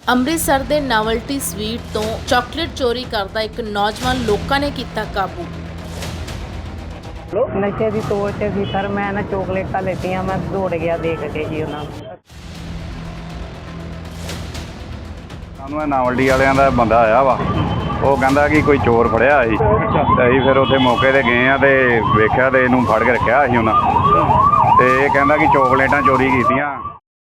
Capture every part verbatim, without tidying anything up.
ਅੰਮ੍ਰਿਤਸਰ ਦੇ novelty sweet ਤੋਂ chocolate ਚੋਰੀ ਕਰਦਾ ਇੱਕ ਨੌਜਵਾਨ ਲੋਕਾਂ ਨੇ ਕੀਤਾ ਕਾਬੂ। ਨਸ਼ੇ ਦੀ ਤੋੜ 'ਚ ਸੀ ਸਰ। ਮੈਂ ਨਾ ਚੋਕਲੇਟਾਂ ਲੈਤੀਆਂ, ਮੈਂ ਦੌੜ ਗਿਆ ਦੇਖ ਕੇ ਜੀ ਉਹਨਾਂ ਨੂੰ। ਸਾਨੂੰ ਇਹ ਨਾਵਲਟੀ ਵਾਲਿਆਂ ਦਾ ਬੰਦਾ ਆਇਆ ਵਾ, ਉਹ ਕਹਿੰਦਾ ਕਿ ਕੋਈ ਚੋਰ ਫੜਿਆ ਸੀ ਤੇ ਅਸੀਂ ਫਿਰ ਉੱਥੇ ਮੌਕੇ ਤੇ ਗਏ ਆ ਤੇ ਵੇਖਿਆ ਤੇ ਇਹਨੂੰ ਫੜ ਕੇ ਰੱਖਿਆ ਸੀ ਉਹਨਾਂ ਤੇ ਇਹ ਕਹਿੰਦਾ ਕਿ ਚੋਕਲੇਟਾਂ ਚੋਰੀ ਕੀਤੀਆਂ।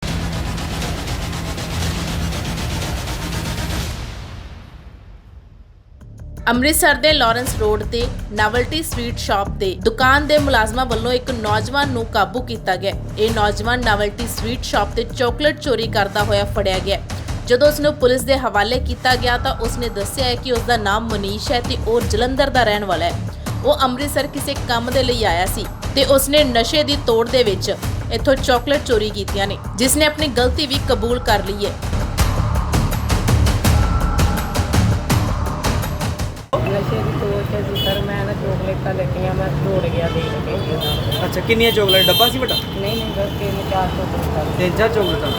ਅੰਮ੍ਰਿਤਸਰ ਦੇ ਲਾਰੈਂਸ ਰੋਡ ਤੇ ਨਾਵਲਟੀ ਸਵੀਟ ਸ਼ਾਪ ਤੇ ਦੁਕਾਨ ਦੇ ਮੁਲਾਜ਼ਮਾਂ ਵੱਲੋਂ ਇੱਕ ਨੌਜਵਾਨ ਨੂੰ ਕਾਬੂ ਕੀਤਾ ਗਿਆ। ਇਹ ਨੌਜਵਾਨ ਨਾਵਲਟੀ ਸਵੀਟ ਸ਼ਾਪ ਤੇ ਚਾਕਲੇਟ ਚੋਰੀ ਕਰਦਾ ਹੋਇਆ ਫੜਿਆ ਗਿਆ। ਜਦੋਂ ਉਸ ਨੂੰ ਪੁਲਿਸ ਦੇ ਹਵਾਲੇ ਕੀਤਾ ਗਿਆ ਤਾਂ ਉਸਨੇ ਦੱਸਿਆ ਹੈ ਕਿ ਉਸ ਦਾ ਨਾਮ ਮਨੀਸ਼ ਹੈ ਤੇ ਉਹ ਜਲੰਧਰ ਦਾ ਰਹਿਣ ਵਾਲਾ ਹੈ। ਉਹ ਅੰਮ੍ਰਿਤਸਰ ਕਿਸੇ ਕੰਮ ਦੇ ਲਈ ਆਇਆ ਸੀ ਤੇ ਉਸਨੇ ਨਸ਼ੇ ਦੀ ਤੋੜ ਦੇ ਵਿੱਚ ਇੱਥੋਂ ਚਾਕਲੇਟ ਚੋਰੀ ਕੀਤੀਆਂ ਨੇ, ਜਿਸ ਨੇ ਆਪਣੀ ਗਲਤੀ ਵੀ ਕਬੂਲ ਕਰ ਲਈ ਹੈ। ਨਸ਼ੇ ਦੀ ਤੋੜ 'ਚ ਸੀ ਸਰ। ਮੈਂ ਨਾ ਚੋਕਲੇਟਾਂ ਲੈਤੀਆਂ, ਮੈਂ ਦੌੜ ਗਿਆ ਦੇਖ ਕੇ ਜੀ ਉਹਨਾਂ ਨੂੰ। ਅੱਛਾ, ਕਿੰਨੀਆਂ ਚੋਕਲੇਟ ਡੱਬਾ ਸੀ ਬੇਟਾ? ਨਹੀਂ ਨਹੀਂ ਬਸ ਤਿੰਨ ਚਾਰ ਚੋਕਲੇਟਾਂ। ਤਿੰਨ ਚਾਰ ਚੋਕਲੇਟਾਂ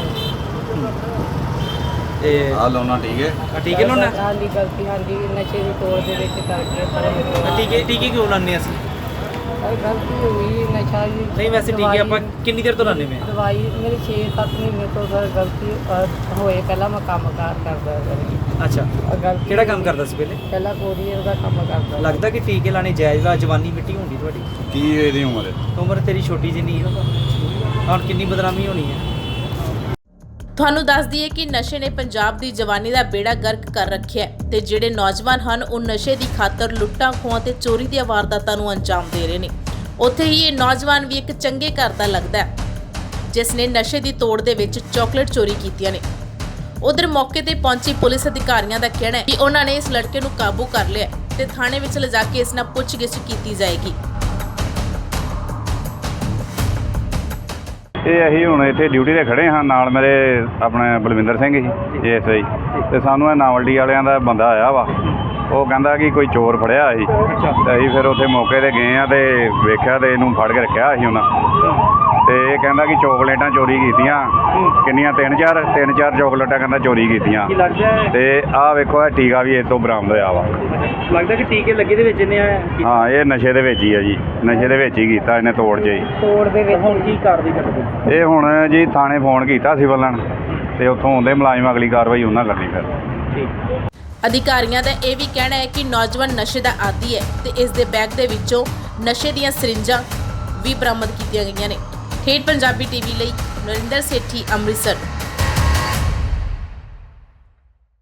ਤੇ ਆ ਲਾਉਣਾ ਠੀਕ ਹੈ। ਆ ਟੀਕੇ ਲਾਉਣਾ? ਹਾਂਜੀ ਗਲਤੀ, ਹਾਂਜੀ ਨਸ਼ੇ ਦੀ ਤੋੜ ਦੇ ਵਿੱਚ ਕਰਕੇ ਸਰ ਮੇਰੇ ਟੀਕੇ ਟੀਕੇ ਕਿਉਂ ਲਾਉਂਦੇ ਅਸੀਂ? ਸਰ ਗਲਤੀ ਹੋਈ ਨਸ਼ਾ ਜੀ। ਨਹੀਂ ਵੈਸੇ ਟੀਕੇ ਆਪਾਂ ਕਿੰਨੀ ਦੇਰ ਤੋਂ ਲਾਉਂਦੇ ਪਏ ਹਾਂ? ਦਵਾਈ ਮੇਰੀ ਛੇ ਸੱਤ ਮਹੀਨੇ ਤੋਂ ਸਰ ਗਲਤੀ ਅਹ, ਹੋਏ। ਪਹਿਲਾਂ ਮੈਂ ਕੰਮ ਕਾਰ ਕਰਦਾ ਸਰ। ਅੱਛਾ, ਆਹ ਗਲਤੀ ਕਿਹੜਾ ਕੰਮ ਕਰਦਾ ਸੀ ਪਹਿਲੇ? ਪਹਿਲਾਂ ਕੋਰੀਅਰ ਦਾ ਕੰਮ ਕਰਦਾ। ਲੱਗਦਾ ਕਿ ਟੀਕੇ ਲਾਣੇ ਜਾਇਜ਼ ਵਾ? ਜਵਾਨੀ ਮਿੱਟੀ ਹੁੰਦੀ ਤੁਹਾਡੀ, ਕੀ ਇਹਦੀ ਉਮਰ ਹੈ? ਉਮਰ ਤੇਰੀ ਛੋਟੀ ਜਿਹੀ ਹੈ, ਹੁਣ ਕਿੰਨੀ ਬਦਨਾਮੀ ਹੋਣੀ ਹੈ। ਤੁਹਾਨੂੰ ਦੱਸ ਦਈਏ ਕਿ ਨਸ਼ੇ ਨੇ ਪੰਜਾਬ ਦੀ ਜਵਾਨੀ ਦਾ ਬੇੜਾ ਗਰਕ ਕਰ ਰੱਖਿਆ ਹੈ ਤੇ ਜਿਹੜੇ ਨੌਜਵਾਨ ਹਨ ਉਹ ਨਸ਼ੇ ਦੀ ਖਾਤਰ ਲੁੱਟਾਂ ਖੋਹਾਂ ਤੇ ਚੋਰੀ ਦੀਆਂ ਵਾਰਦਾਤਾਂ ਨੂੰ ਅੰਜਾਮ ਦੇ ਰਹੇ ਨੇ। ਉੱਥੇ ਹੀ ਇਹ ਨੌਜਵਾਨ ਵੀ ਇੱਕ ਚੰਗੇ ਘਰ ਦਾ ਲੱਗਦਾ ਹੈ ਜਿਸ ਨੇ ਨਸ਼ੇ ਦੀ ਤੋੜ ਦੇ ਵਿੱਚ ਚਾਕਲੇਟ ਚੋਰੀ ਕੀਤੀਆਂ ਨੇ। ਉਧਰ ਮੌਕੇ ਤੇ ਪਹੁੰਚੀ ਪੁਲਿਸ ਅਧਿਕਾਰੀਆਂ ਦਾ ਕਹਿਣਾ ਹੈ ਕਿ ਉਹਨਾਂ ਨੇ ਇਸ ਲੜਕੇ ਨੂੰ ਕਾਬੂ ਕਰ ਲਿਆ ਤੇ ਥਾਣੇ ਵਿੱਚ ਲਿਜਾ ਕੇ ਇਸ ਨਾਲ ਪੁੱਛਗਿੱਛ ਕੀਤੀ ਜਾਏਗੀ। ਇਹ ਅਸੀਂ ਹੁਣ ਇੱਥੇ ਡਿਊਟੀ ਤੇ ਖੜੇ ਹਾਂ, ਨਾਲ ਮੇਰੇ ਆਪਣੇ Balwinder Singh G S I ਤੇ ਸਾਨੂੰ ਇਹ ਨਾਵਲਟੀ ਵਾਲਿਆਂ ਦਾ ਬੰਦਾ ਆਇਆ ਵਾ, ਉਹ ਕਹਿੰਦਾ ਕਿ ਕੋਈ ਚੋਰ ਫੜਿਆ ਸੀ ਤੇ ਅਸੀਂ ਫਿਰ ਉੱਥੇ ਮੌਕੇ ਤੇ ਗਏ ਆ ਤੇ ਵੇਖਿਆ ਤੇ ਇਹਨੂੰ ਫੜ ਕੇ ਰੱਖਿਆ ਸੀ ਉਹਨਾਂ ਤੇ ਇਹ ਕਹਿੰਦਾ ਕਿ ਚੋਕਲੇਟਾਂ ਚੋਰੀ ਕੀਤੀਆਂ। ਕਿੰਨੀਆਂ? ਤਿੰਨ ਚਾਰ ਤਿੰਨ ਚਾਰ ਚੋਕਲੇਟਾਂ ਕਹਿੰਦਾ ਚੋਰੀ ਕੀਤੀਆਂ। ਕੀ ਲੱਗਦਾ ਹੈ? ਤੇ ਆਹ ਵੇਖੋ ਇਹ ਟੀਕਾ ਵੀ ਇਹ ਤੋਂ ਬਰਾਮਦ ਹੋਇਆ ਵਾ। ਲੱਗਦਾ ਕਿ ਟੀਕੇ ਲੱਗੇ ਦੇ ਵਿੱਚ ਇਹਨੇ ਹਾਂ, ਇਹ ਨਸ਼ੇ ਦੇ ਵਿੱਚ ਹੀ ਆ ਜੀ, ਨਸ਼ੇ ਦੇ ਵਿੱਚ ਹੀ ਕੀਤਾ ਇਹਨੇ ਤੋੜ 'ਚ ਹੀ। ਤੋੜ ਦੇ ਵਿੱਚ ਹੁਣ ਕੀ ਕਾਰਵਾਈ ਕਰਦੇ? ਇਹ ਹੁਣ ਜੀ ਥਾਣੇ ਫੋਨ ਕੀਤਾ ਸੀ ਬੱਲਣ ਤੇ ਉੱਥੋਂ ਆਉਂਦੇ ਮੁਲਾਜ਼ਮ, ਅਗਲੀ ਕਾਰਵਾਈ ਉਹਨਾਂ ਕਰਨੀ ਫਿਰ। ਠੀਕ। ਅਧਿਕਾਰੀਆਂ ਦਾ ਇਹ ਵੀ ਕਹਿਣਾ ਹੈ ਕਿ ਨੌਜਵਾਨ ਨਸ਼ੇ ਦਾ ਆਦੀ ਹੈ ਤੇ ਇਸ ਦੇ ਬੈਗ ਦੇ ਵਿੱਚੋਂ ਨਸ਼ੇ ਦੀਆਂ ਸਰਿੰਜਾਂ ਵੀ ਬਰਾਮਦ ਕੀਤੀਆਂ ਗਈਆਂ ਨੇ। ਠੇਠ ਪੰਜਾਬੀ ਟੀਵੀ ਲਈ ਨਰਿੰਦਰ ਸੇਠੀ, ਅੰਮ੍ਰਿਤਸਰ।